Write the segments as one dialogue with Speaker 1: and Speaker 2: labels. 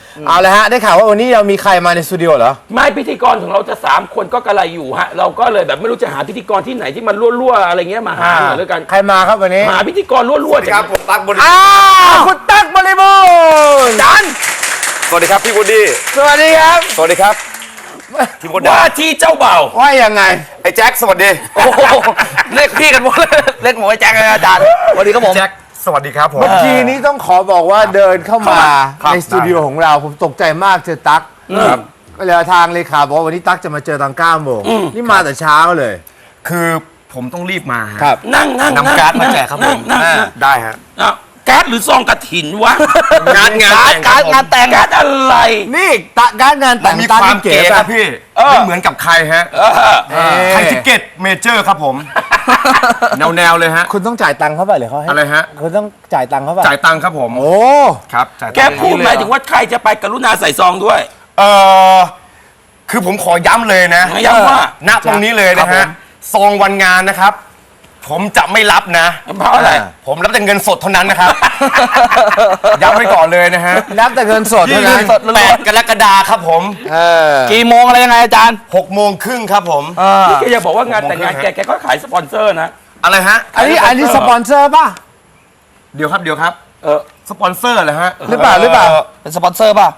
Speaker 1: เอาเลยฮะได้ข่าวว่าวันนี้เรามีใครมาในสตูดิโอเหรอ
Speaker 2: ไม่พิธีกรของเราจะ3 คนก็กระไรอยู่ฮะเราก็เลยแบบไม่รู้จะหาพิธีกรที่ไหนที่มันรั่วๆอะไรเงี้ยมาหาหน่อยแล้วกัน
Speaker 1: ใครมาครับวันนี้
Speaker 2: หาพิธีกรรั่วๆ
Speaker 3: ครับผมตั๊กบริบูรณ์
Speaker 1: คุณตั๊กบริบูรณ์จัน
Speaker 3: สวัสดีครับพี่วูดดี้
Speaker 1: สวัสดีครับ
Speaker 3: สวัสดีครับพี่มดดา
Speaker 2: ว่าที่เจ้าเบ่าว
Speaker 1: ว่ายังไง
Speaker 3: ไอ้แจ็คสวัสดี
Speaker 4: โอ้โหเรียกพี่กันหมดเรียกหมวยแจ็คเลยอาจารย์สวัสดีครับผม
Speaker 3: แจ็คสวัสดีครับผม
Speaker 1: เมื่อกี้นี้ต้องขอบอกว่าเดินเข้ามา
Speaker 3: ครับ
Speaker 1: ในสตูดิโอของเราผมตกใจมากเจอตั๊กก็เลยทางเลขาบอกว่าวันนี้ตั๊กจะมาเจอตอน9 โมงนี่มาแต่เช้าเลย
Speaker 3: คือผมต้องรีบมาฮะ
Speaker 1: ครับ
Speaker 2: นั่ง
Speaker 3: นำการ์ดมาแจกครับผม
Speaker 2: นั่ง
Speaker 3: ได้ฮะ
Speaker 2: การ์ดหรือซองกระถินวะ
Speaker 3: งานแต่ง
Speaker 4: การงานแต่ง
Speaker 2: การ์ดอะไร
Speaker 1: นี่ตะการงานแต่ง
Speaker 3: มี
Speaker 1: ตั๊ก
Speaker 3: ความ
Speaker 1: เก๋
Speaker 3: เก๋ค
Speaker 1: ป่ะ
Speaker 3: รับพี่ไม่เหมือนกับใครฮะไทยทิเก็ตเมเจอร์ครับผมแนวเลยฮะ
Speaker 1: คุณต้องจ่ายตังค์เขาไปหรือเขาให้
Speaker 3: อะไรฮะ
Speaker 1: คุณต้องจ่ายตังค์เขาไป
Speaker 3: จ่ายตังค์ครับผม
Speaker 1: โอ้
Speaker 3: ครับจ่ายตังค์
Speaker 2: แกพูดหมายถึงว่าใครจะไปกรุณาใส่ซองด้วย
Speaker 3: เออคือผมขอย้ำเลยนะ
Speaker 2: ย้ำว่า
Speaker 3: ณตรงนี้เลยนะฮะซองวันงานนะครับ ผมจะไม่รับนะ
Speaker 2: เพราะอะไร
Speaker 3: ผมรับแต่เงินสดเท่านั้นนะครับ ย้ำไว้ก่อนเลยนะฮะ
Speaker 1: รับแต่เงินสดเท่านั้น
Speaker 3: 8 กรกฎาคมครับผม
Speaker 4: กี่โมงอะไรยังไงอาจารย์
Speaker 3: 6 โมงครึ่งครับผม
Speaker 2: พี่แกอย่าบอกว่างานแต่งงานแกก็ขายสปอนเซอร์นะ
Speaker 3: อะไรฮะ
Speaker 1: อันนี้สปอนเซอร์ป่ะ
Speaker 3: เดี๋ยวครับ
Speaker 2: เออ
Speaker 3: สปอนเซอร์เหรอฮะ
Speaker 1: หรือเปล่า
Speaker 4: เป็นสปอนเซอร์ป่ะ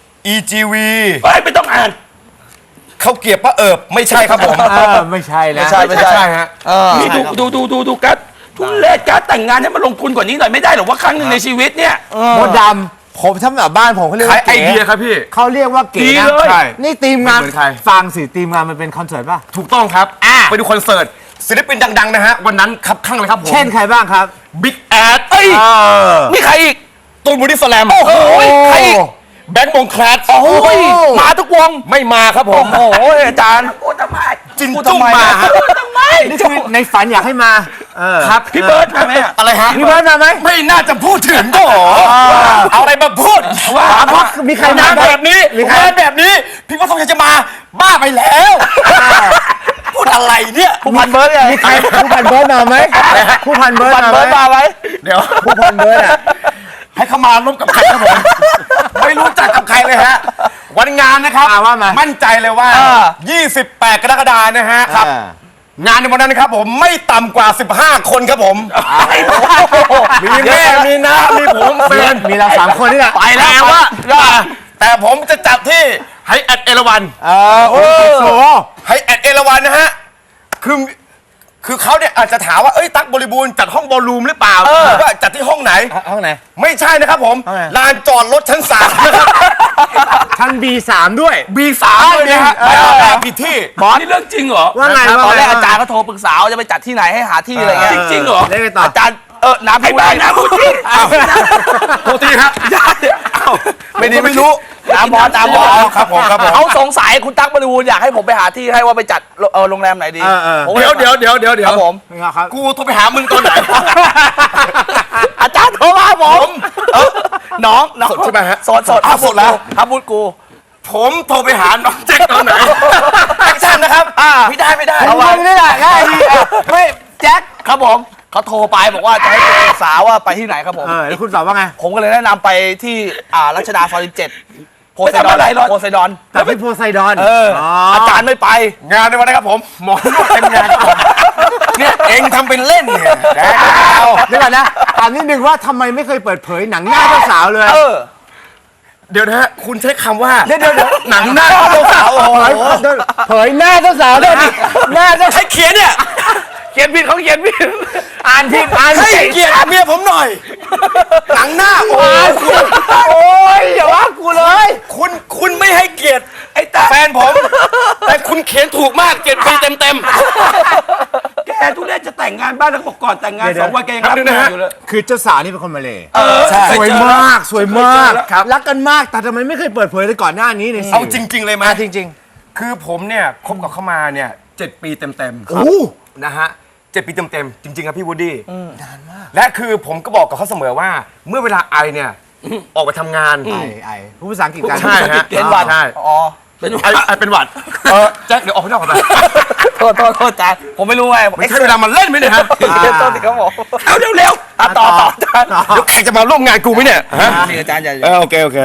Speaker 3: EGV
Speaker 2: ไม่ต้องอ่าน
Speaker 3: เขาเกียบป้าเอิบไม่ใช่ครับผม
Speaker 1: ไม่ใช่นะ
Speaker 3: ไม่ใช่ฮะ
Speaker 2: นี่ดูการ์ดทุเรศการ์ดแต่งงานให้มันลงทุนกว่านี้หน่อยไม่ได้หรอว่าครั้งหนึ่งในชีวิตเนี่ย
Speaker 1: โมดดำผมทำแบบบ้านผมเขาเรียก
Speaker 3: ขาย
Speaker 1: ว่า
Speaker 3: ไอ
Speaker 1: เก๋
Speaker 3: เดียครับพี่
Speaker 1: เขาเรียกว่าเก๋
Speaker 2: ดี
Speaker 1: นะ
Speaker 2: เลย
Speaker 3: ใช่
Speaker 1: นี่ทีมงาน
Speaker 3: ไม่เหมือนใคร
Speaker 1: ฟังสิทีมงานมันเป็นคอนเสิร์ตป่ะ
Speaker 3: ถูกต้องครับ ไปดูคอนเสิร์ตศิลปินดังๆนะฮะ วันนั้นครับข้างเลยครับผม
Speaker 1: เช่นใครบ้างครับ
Speaker 3: บิ๊กแอด
Speaker 4: มีใครอีก
Speaker 3: ตูนบอดี้สแลม
Speaker 4: โอ้โหใครอีก
Speaker 3: แบงค์วงแคลส
Speaker 4: โอ้ยมาทุกวง
Speaker 3: ไม่มาครับผม
Speaker 4: โอ้โหอาจารย์
Speaker 2: พูดทำไม
Speaker 3: จินจุ้งมาฮะ
Speaker 1: นี่คือในฝันอยากให้มาครับ
Speaker 2: พี่เบิร์ดมาไหมอะ
Speaker 3: อะไรฮะ
Speaker 1: พี่เบิร์ดมาไหม
Speaker 3: ไม่น่าจะพูดถึงก็เอาอะไรมาพูด
Speaker 2: ว่า
Speaker 1: เพราะมีใครมา
Speaker 3: งานแบบนี้งานแบบนี้ พี่ว่าต้องจะมาบ้าไปแล้ว พูดอะไรเนี่ย
Speaker 4: ผู้พันเบิร์ดไง
Speaker 1: มีใครผู้พันเบิร์ดมาไหมผู้พันเบิร์ด
Speaker 4: พัน
Speaker 1: มา
Speaker 4: เบิร์ด
Speaker 1: ไหม
Speaker 4: มาไหม
Speaker 3: เดี๋ยว
Speaker 1: ผู้พันเบิร์ดอ่ะ
Speaker 3: ให้เขามาร่วมกับใครครับผม ไม่รู้จักกับใครเลยฮะ วันงานนะครับ
Speaker 1: ว่ามา
Speaker 3: มั่นใจเลยว่า 28 กรกฎาคมนะฮะ
Speaker 1: ครับ
Speaker 3: งานในวันนั้นนะครับผมไม่ต่ำกว่า 15 คนครับผม มีแม่มีน้ามีผมแฟน
Speaker 1: มีเรา3 คนนี่แหละ
Speaker 3: ไปแล้วแต่ผมจะจัดที่ไฮแอทเอราวัน
Speaker 1: โอ้โห
Speaker 3: ไฮแอทเอราวันนะฮะ คือเขาเนี่ยอาจจะถามว่า เอ้ย ตั๊กบริบูรณ์จัดห้องบอลรูมหรือเปล่าหรือว่าจัดที่ห้องไหน
Speaker 1: ห้องไหน
Speaker 3: ไม่ใช่นะครับผม
Speaker 1: ห้องไหน
Speaker 3: ลานจอดรถชั้น 3 นะครับ
Speaker 1: ชั้น B3 ด้วย
Speaker 3: B3 เลยนะฮะแบบผิดที่
Speaker 2: บอสนี่เรื่องจริงเหรอ
Speaker 1: ว่าไง
Speaker 4: ตอนแรก
Speaker 1: ว่
Speaker 4: อาจารย์ก็โทรปรึกษาว่าจะไปจัดที่ไหนให้หาที่อะไรเงี้ย
Speaker 2: จริงเหรอ
Speaker 1: เล่นไปต่อ
Speaker 4: อาจารย์น้ำ
Speaker 2: ไอ้
Speaker 4: พี่
Speaker 2: บ้านะพูดจริง
Speaker 3: โทษทีครับ ไม่ดีไม่รู้
Speaker 4: ตามบอลตามบอล
Speaker 3: ครับผมครับผม
Speaker 4: เขาสงสัยคุณตั๊กบริบูรณ์อยากให้ผมไปหาที่ให้ว่าไปจัดโรงแรมไหนดีผมก็ล
Speaker 3: เดี๋ยว
Speaker 4: ครับผม
Speaker 1: ครับ
Speaker 3: กูโทรไปหามึงตอนไหน
Speaker 4: อาจารย์โทรมาผมน้อง
Speaker 3: สดใช่ไหมฮะ
Speaker 4: สด
Speaker 3: อ้าวสดแล้ว
Speaker 4: ครับพูดกู
Speaker 3: ผมโทรไปหาน้องแจ็คตอนไหนแอคชั่นนะครับไม่ได้
Speaker 1: เอาไว้นี่แหละง่ายดีไม่แจ็ค
Speaker 4: ครับผมเขาโทรไปบอกว่าจะให้ปรึกษาว่าไปที่ไหนครับผม
Speaker 1: แล้วคุณตอบว่าไง
Speaker 4: ผมก็เลยแนะนำไปที่รัชดาซอย17โพไซดอน
Speaker 2: ไปทำอะไรหรอ
Speaker 4: โพไซดอน
Speaker 1: แต่พี่โพไซดอน
Speaker 4: อาจารย์ไม่ไป
Speaker 3: งานในวันนะครับผมหมอนวดเต็มงานครับผมเนี่ยเองทำเป็นเล่นเนี่ยแจ็คเอา
Speaker 1: เดี๋ยวก่อนนะถามนิดนึงว่าทำไมไม่เคยเปิดเผยหนังหน้าเจ้าสาวเลย
Speaker 3: เดี๋ยวนะฮะคุณใช้คำว่า
Speaker 1: เดี๋ยว
Speaker 3: หนังหน้าเจ้าสาวโอ้โห
Speaker 1: เผยหน้าเจ้าสาวด้วยหน้าเจ้า
Speaker 3: ให้เขียนเนี่ย
Speaker 4: เขียนผิดเขาเขียนผิด
Speaker 1: อ่านผิดอ่าน
Speaker 3: ให้
Speaker 1: ผิด
Speaker 3: เกียรติเมียผมหน่อย หนังหน้าโอ้โห
Speaker 1: โอ้ยอย่าว่ากูเลย
Speaker 3: คุณไม่ให้เกียรติไอ้แฟนผม แต่คุณเขียนถูกมาก7 ปีเต็ม
Speaker 2: แกทุเรศจะแต่งงานบ้านแล้วก็บอกก่อนแต่งงาน
Speaker 1: เดี๋ยว
Speaker 2: 2 วันแกยังรับงานอยู่เลย
Speaker 1: คือเจ้าสาวนี่เป็นคนมาเลย
Speaker 2: ใช่
Speaker 1: สวยมากสวยมาก
Speaker 2: ครับ
Speaker 1: รักกันมากแต่ทำไมไม่เคยเปิดเผยเลยก่อนหน้านี้ใน
Speaker 3: ๆ
Speaker 1: สื่
Speaker 3: เอาจริง ๆ เลยไหม
Speaker 1: จริง
Speaker 3: คือผมเนี่ยคบกับเขามาเนี่ย7 ปีเต็ม
Speaker 1: ๆ
Speaker 3: ๆ
Speaker 1: โอ้
Speaker 3: นะฮะ7 ปีเต็มๆจริง ๆ ครับพี่วูดดี้นานมากและคือผมก็บอกกับเขาเสมอว่า เมื่อเวลาไอเนี่ยออกไปทำงาน
Speaker 1: ไอผู้ภาษาอังกฤษกัน
Speaker 3: ใช่ฮะ
Speaker 4: เป็นหวัด
Speaker 3: ใช่
Speaker 4: อ๋อ
Speaker 3: ไอเป็นหวัดแจ็คเดี๋ยวออกไปนอกก่อนไป
Speaker 4: โทษอาจารย์ผมไม่รู้ไง
Speaker 3: ไม่ใช่เวลามันเล่นไหมเนี่ยฮะ
Speaker 4: โทษสิครับผม
Speaker 2: เอาเร็ว
Speaker 4: ต่ออาจารย์
Speaker 3: เดี๋ยวแขกจะมาร่วมงานกูไหมเนี่ยฮะ
Speaker 4: นี่อาจารย์อย่า
Speaker 3: โอเค
Speaker 4: นะ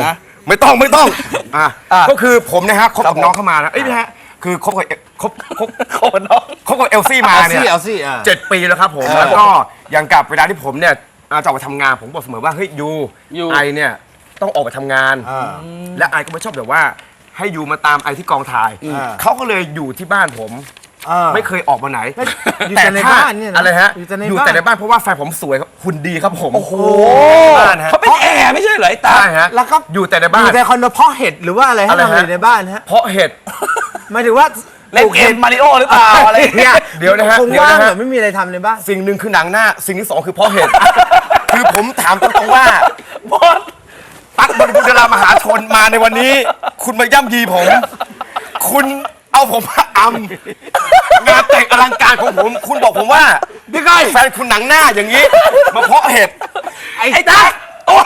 Speaker 3: ไม่ต้องก็คือผมนะฮะคบกับน้องเข้ามานะนะฮะคือคบกับเอลซี่มาเนี่ย
Speaker 1: เอาสิ
Speaker 3: 7 ปีแล้วครับผมแล้วก็อย่างกับเวลาที่ผมเนี่ยจะออกไปทำงานผมบอกเสมอว่าเฮ้ยยูไอเนี่ยต้องออกไปทำงาน และไอก็ไม่ชอบแบบว่าให้ยูมาตามไอที่กองถ่ายเขาก็เลยอยู่ที่บ้านผมไม่เคยออกมาไหน
Speaker 1: อยู่แต่ในบ้านเนี่ยนะ
Speaker 3: อะไรฮะ
Speaker 1: อยู่แต่ในบ้าน
Speaker 3: ในบ้านเพราะว่าแฟนผมสวยครับหุ่นดีครับผมโอ้โหบ้านฮะ
Speaker 2: เขาเป็นแอร์ไม่ใช่เหรอไอ้ตา
Speaker 3: ใช่ฮะ
Speaker 1: แล้วก็
Speaker 3: อยู่แต่ในบ้า
Speaker 1: อน ยู่ในคอนโดเพาะเห็ดหรือว่าอะไรให้
Speaker 3: อะไร
Speaker 1: ทำ
Speaker 3: ฮะ
Speaker 1: อยู่ในบ้านฮะ
Speaker 3: เพราะเห็ด
Speaker 1: หมายถึงว่า
Speaker 4: เล่นเกมมาริโอหรือเปล่าอะไรอย่างเงี้ย
Speaker 3: เดี๋ยวนะฮะ
Speaker 1: คง
Speaker 3: เดี๋ยว
Speaker 1: ว่าง
Speaker 3: นะ
Speaker 1: เหร
Speaker 3: ฮะ
Speaker 1: อไม่มีอะไรทำในบ้าน
Speaker 3: สิ่งหนึ่งคือหนังหน้า สิ่งที่สองคือเพราะเห็ด คือผมถามตรงๆว่า
Speaker 4: บอส
Speaker 3: ตั๊กบริบูรณ์ดารามหาชนมาในวันนี้ คุณมาย่ำยีผม คุณเอาผมมาอำงานแต่งอลังการของผม คุณบอกผมว่าพี่ก้อยแฟนคุณหนังหน้าอย่างนี้ มาเพาะเห็ด
Speaker 1: ไอ้ตั๊ก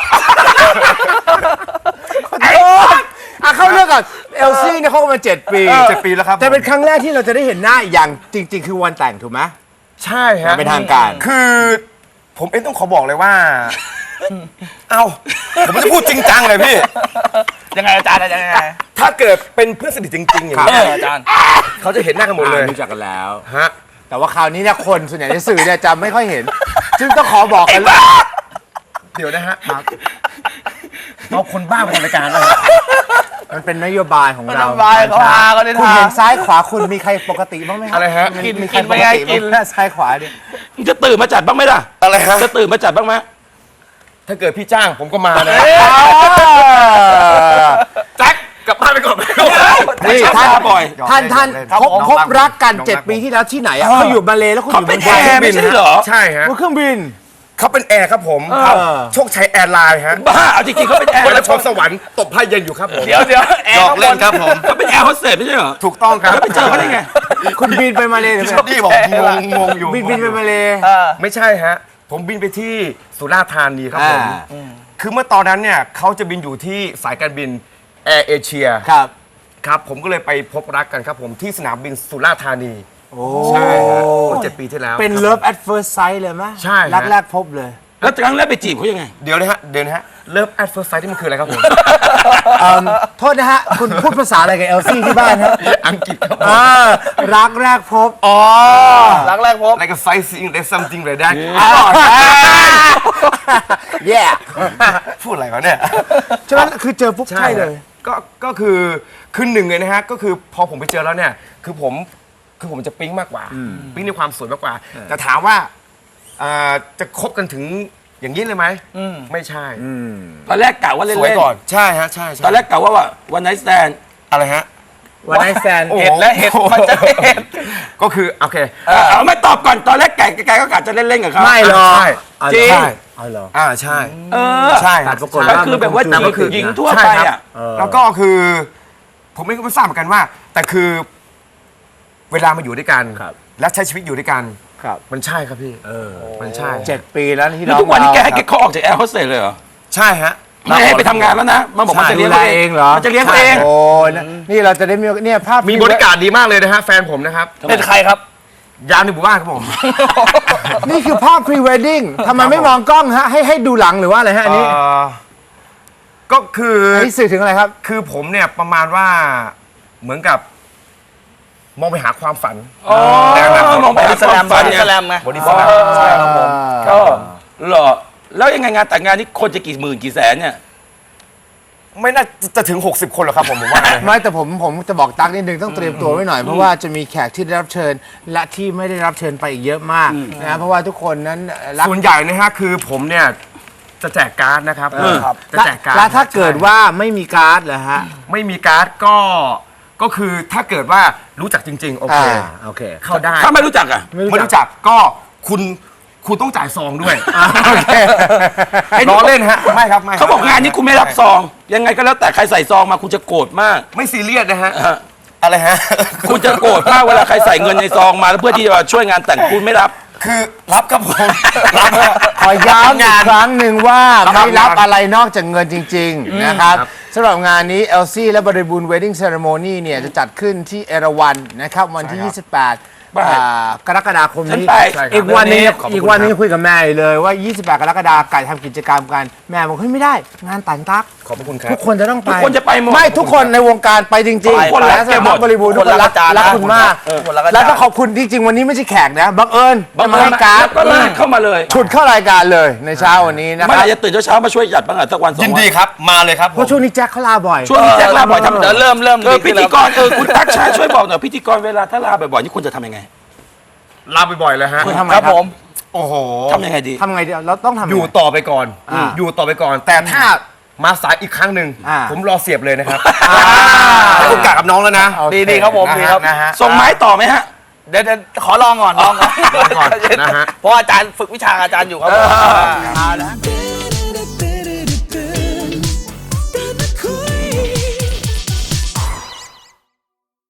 Speaker 1: เข้าเรื่องก่อนเอลซี่เนี่ยเขามา7 ปี
Speaker 3: 7 ปีแล้วครับ
Speaker 1: แต่เป็นครั้งแรกที่เราจะได้เห็นหน้าอย่างจริง ๆ คือวันแต่งถูกไหม
Speaker 3: ใช่ฮะ
Speaker 1: เป็นทางการ
Speaker 3: คือผมเองต้องขอบอกเลยว่า เอาผมไม่ได้พูดจริงจังเลยพี่
Speaker 4: ยังไงอาจารย์ยังไง
Speaker 3: ถ้าเกิดเป็นเพื่อนสนิทจริงๆอย่างนี้ย
Speaker 4: อาจารย์
Speaker 3: เขาจะเห็นหน้ากันหมดเลย
Speaker 1: รู้จักกันแล้ว
Speaker 3: ฮะ
Speaker 1: แต่ว่าคราวนี้เนี่ยคนส่วนใหญ่ในสื่อเนี่ยจะไม่ค่อยเห็น ซึ่งต้องขอบอกกัน
Speaker 3: เดี๋ยวนะฮะเอาคนบ้ามาทำรายการนะฮะ
Speaker 1: มันเป็นนโยบายของเรา
Speaker 4: นโยบายเขาหาเขาได้
Speaker 1: คุณ
Speaker 4: ทา
Speaker 1: เห็นซ้ายขวาคุณมีใครปกติบ้างไหมครั
Speaker 3: อะไรฮะ
Speaker 1: มีใครปกติบ้างไหมซ้ายขวาเนี่ย
Speaker 2: มึงจะตื่นมาจัดบ้างไหมล่ะ
Speaker 3: อะไรฮะ
Speaker 2: จะตื่นมาจัดบ้างไหม
Speaker 3: ถ้าเกิดพี่จ้างผมก็มานะแจ็คกลับบ้านไปก่อนไปก่อน
Speaker 1: นี่
Speaker 2: ชอบ
Speaker 1: ท่าน
Speaker 2: มาบ่อย
Speaker 1: ท่านพบรักกัน7 ปีที่แล้วที่ไหนอ่ะเขาอยู่มาเลแล้วคุณอ
Speaker 2: เขา
Speaker 1: ยู่
Speaker 2: เป็น
Speaker 1: เมืองไท
Speaker 2: แอย ร์ไม่ใช่เหรอ
Speaker 3: ใช่ฮะ
Speaker 1: บนเครื่องบิน
Speaker 3: เขาเป็นแอร์ครับผม
Speaker 1: อ
Speaker 3: โชคชัยแอร์ไลน์ฮะ
Speaker 2: บ้าเอาจริงๆเขาเป็นแอร์
Speaker 3: วันละชมสวรรค์ตบผ้าเย็นอยู่ครับผม
Speaker 4: เดี๋ยวแอร์
Speaker 3: หยอกเล่นครับผม
Speaker 2: เขาเป็นแอร์โฮสเตสไม่ใช่เหรอ
Speaker 3: ถูกต้องครับ
Speaker 2: แล้วไปเจอเขาได้ไง
Speaker 1: คุณบินไปมาเลหรือเปล่า
Speaker 3: นี่บอกงงอยู่
Speaker 1: บินไปมาเล
Speaker 3: ไม่ใช่ฮะ ผมบินไปที่สุราษฎร์ธานีครับผม
Speaker 1: อ่า
Speaker 3: คือเมื่อตอนนั้นเนี่ยเขาจะบินอยู่ที่สายการบินแอร์เอเชีย
Speaker 1: ครับ
Speaker 3: ครับผมก็เลยไปพบรักกันครับผมที่สนามบินสุราษฎร์ธานี
Speaker 1: โอ้
Speaker 3: ใช่ฮะเมื่อ7 ปีที่แล้ว
Speaker 1: เป็น Love at First Sight เลยไหม
Speaker 3: ใช่ฮะ
Speaker 1: รักแรกพบเลย
Speaker 2: แล้วครั้งแรกไปจีบเขายังไง
Speaker 3: เดี๋ยวนะฮะเลิฟแอดเฟิร์สไซต์ที่มันคืออะไรครับผม
Speaker 1: โทษนะฮะ คุณพูดภาษาอะไรกับเอลซี่ที่บ้านฮะ
Speaker 3: อังกฤษครับผม
Speaker 1: รักแรกพบ
Speaker 3: อ๋อ
Speaker 4: รักแรกพบ
Speaker 3: like a sightseeing there's something like that
Speaker 1: แย่
Speaker 3: พูดอะไรวะเนี่ย
Speaker 1: ฉะนั้นคือเจอปุ๊บใช่เลย
Speaker 3: ก็คือหนึ่งเลยนะฮะ ก็คือพอผมไปเจอแล้วเนี่ย คือผมจะปิ๊งมากกว่า ปิ๊งในความสวยมากกว่า แต่ถามว่าจะคบกันถึงอย่างนี้เลยไหมไม่ใช่
Speaker 2: ตอนแรกกะว่าเล่น
Speaker 3: สวยก่อน ใช่ฮะ ใช่
Speaker 2: ตอนแรกกะว่าวันไนท์แตน
Speaker 3: อะไรฮะ
Speaker 1: วันไนท์แซน
Speaker 3: โอ้โห
Speaker 4: เห็ดและเห็ดมันจะเห็ด
Speaker 3: ก็คือโอเค
Speaker 2: เอาไม่ตอบก่อนตอนแรกแกก็กะจะเล่นๆกับเขา
Speaker 1: ไม่หรอก
Speaker 3: ใช่
Speaker 2: จริง
Speaker 3: ใช่
Speaker 1: เอาเหรอ
Speaker 3: ใช่
Speaker 2: เออ
Speaker 3: ใช่
Speaker 1: แต่ปรากฏ
Speaker 2: ก็
Speaker 1: ว่า
Speaker 2: คือแบบว่า
Speaker 1: มันคง
Speaker 2: หญิงทั่ว
Speaker 3: ใช่
Speaker 2: ไป
Speaker 3: ครับ
Speaker 2: อ่ะ
Speaker 3: แล้วก็คือ ผมไม่ทราบเหมือนกันว่า แต่คือ เวลามาอยู่ด้วยกัน
Speaker 1: ครับ
Speaker 3: และใช้ชีวิตอยู่ด้วยกัน
Speaker 1: ครับ
Speaker 3: มันใช่ครับพี่มันใช่
Speaker 1: 7 ปีแล้วที่
Speaker 2: แล้ว
Speaker 1: เรา
Speaker 2: ทุกวันนี้แกให้แกเขาออกจากแอร์โฮสเตสเลยเหรอ
Speaker 3: ใช่ฮะ
Speaker 2: ไม่ให้ไปทำงานแล้วนะ มันบอกมันจะ
Speaker 1: ดู
Speaker 2: เลี้ยง
Speaker 1: แล
Speaker 2: เขา
Speaker 1: เอ
Speaker 2: เอง ง
Speaker 1: เหรอ
Speaker 2: มันจะเลี้ยงเขาเอง
Speaker 1: โอ้นี่เราจะได้มีเนี่ยภาพ
Speaker 3: มีบริการดีมากเลยนะฮะ แฟนผมนะครับ
Speaker 4: เป็นใครครับ
Speaker 3: ยามในหมู่บ้านครับผม
Speaker 1: นี่คือภาพ pre wedding ทำไมไม่มองกล้องฮะให้ดูหลังหรือว่าอะไรฮะอันนี้
Speaker 3: ก็คือ
Speaker 1: อันนี้สื่อถึงอะไรครับ
Speaker 3: คือผมเนี่ยประมาณว่าเหมือนกับ มองไปหาความฝัน
Speaker 2: อ๋อมองไปหาความฝัน
Speaker 4: บอดี้
Speaker 2: เนี่ย
Speaker 4: สแลมไง
Speaker 3: บอดี้สแลมใช่ครับผม
Speaker 2: ก็เหรอแล้วยังไงงานแต่งงานนี้คนจะกี่หมื่นกี่แสนเนี่ย
Speaker 3: ไม่น่าจะถึง 60 คนหรอกครับผมว่านะ
Speaker 1: ไม่แต่ผมจะบอกตั๊กนิดนึงต้องเตรียมตัวไว้หน่อย เพราะว่าจะมีแขกที่ได้รับเชิญ และที่ไม่ได้รับเชิญไปอีกเยอะมากนะเพราะว่าทุกคนนั้นรัก
Speaker 3: ส่วนใหญ่นะฮะคือผมเนี่ยจะแจกการ์ดนะครับจะแจกการ์ด
Speaker 1: แล้วถ้าเกิดว่าไม่มีการ์ดเหรอฮะ
Speaker 3: ไม่มีการ์ดก็คือถ้าเกิดว่ารู้จักจริง ๆ โอเค
Speaker 1: โอเค
Speaker 3: เข้าได้
Speaker 2: ถ้าไม่รู้จักอ่ะ
Speaker 3: ไม่รู้จักก็คุณต้องจ่ายซองด้วย
Speaker 1: โอเค
Speaker 3: ล้อเล่นฮะไม่ครับไม่
Speaker 2: เขาบอกงานนี้คุณไม่รับซอง ยังไงก็แล้วแต่ใครใส่ซองมาคุณจะโกรธมาก
Speaker 3: ไม่ซีเรียสนะฮะ
Speaker 2: ฮะ
Speaker 3: อะไรฮะ
Speaker 2: คุณจะโกรธมากเวลาใครใส่เงินในซองมาแล้วเพื่อที่จะมาช่วยงานแต่งคุณไม่รับ
Speaker 3: คือรับครับผมรับฮะ
Speaker 1: ขอย้ำอีกครั้งหนึ่งว่า
Speaker 3: รับ
Speaker 1: ไม่รับ
Speaker 3: งาน
Speaker 1: อะไรนอกจากเงินจริง ๆ นะครับ
Speaker 3: ครับ
Speaker 1: สำหรับงานนี้เอลซี่และบริบูรณ์ Wedding Ceremony เนี่ยจะจัดขึ้นที่เอราวัณนะครับวันที่
Speaker 3: ใช่ครับ
Speaker 1: 28 กรกฎาคม
Speaker 2: ฉัน
Speaker 1: นี้
Speaker 2: ไป
Speaker 1: อีกวันนึง
Speaker 3: ขอบคุณ
Speaker 1: อีกวันนึงคุยกับแม่อยู่เลยว่า 28 กรกฎาคมไก่ทำกิจกรรมกันแม่บอกเฮ้ยไม่ได้งานตันตัก
Speaker 3: ขอบพระคุณครับ
Speaker 1: ทุกคนจะต้องไป
Speaker 2: ทุกคนจะไปหมด
Speaker 1: ไม่ทุกคนในวงการไปจริง
Speaker 2: ทุกคน
Speaker 1: และ
Speaker 2: รัก
Speaker 1: ส
Speaker 2: แกหม
Speaker 1: มา
Speaker 2: ด
Speaker 1: บริบูรณ์ทุกคนรัก
Speaker 4: ทุกคนรักอาจารย์
Speaker 1: รักคุณมาก
Speaker 4: คนรักอาจารย์
Speaker 1: แล้วต้องขอบคุณจริงๆวันนี้ไม่ใช่แขกนะบังเอิญ
Speaker 2: บาง
Speaker 1: จะมา
Speaker 2: คน
Speaker 1: ให้การ์ด
Speaker 2: แล้วก็ลากเข้ามาเลย
Speaker 1: ฉุดเข้ารายการเลยในเช้าวันนี้นะค
Speaker 2: เมื่อ
Speaker 1: รับ
Speaker 2: ไหร่จะตื่นเช้าๆมาช่วยจัดบ้างอ่ะสักวันสอง
Speaker 3: ยิน
Speaker 2: วัน
Speaker 3: ดีครับมาเลยครับผม
Speaker 1: เพราะช่วงนี้แจ็คเขาลาบ่อย
Speaker 2: ช่วงนี้แจ็คลาบ่อยทำ
Speaker 4: เดี๋ยวเริ่ม
Speaker 2: พิธีกรคุณตั๊กชายช่วยบอกหน่อยพิธีกรเวลาถ้าลาบ่อยๆนี่คุณจะทำยังไง
Speaker 3: ลาบ่อยๆเลยฮะ
Speaker 1: คุณทำไง
Speaker 4: ครับผม
Speaker 3: โอ้โห
Speaker 2: ทำยังไงดี
Speaker 1: ทำไงเดียวเราต้องทำ
Speaker 3: อยู่ต่อไปก่อน อยู่ต่อไปก่อน แต่ถ้ามาสายอีกครั้งหนึ่ง
Speaker 1: อ่า
Speaker 3: ผมรอเสียบเลยนะครับให้โอกาสกับน้องแล้วนะ
Speaker 1: โอเค
Speaker 4: ดีครับผม
Speaker 3: นะ
Speaker 4: ดี
Speaker 3: ฮะ
Speaker 4: ครับ
Speaker 3: นะฮะ
Speaker 2: ส่งไม้ต่อไหมฮะ
Speaker 4: เดี๋ยวขอลองก่อน
Speaker 3: ก่อนนะฮะ
Speaker 4: เพราะอาจารย์ฝึกวิชาอาจารย์อยู่ครับ
Speaker 2: เออ
Speaker 4: เอาละฮะ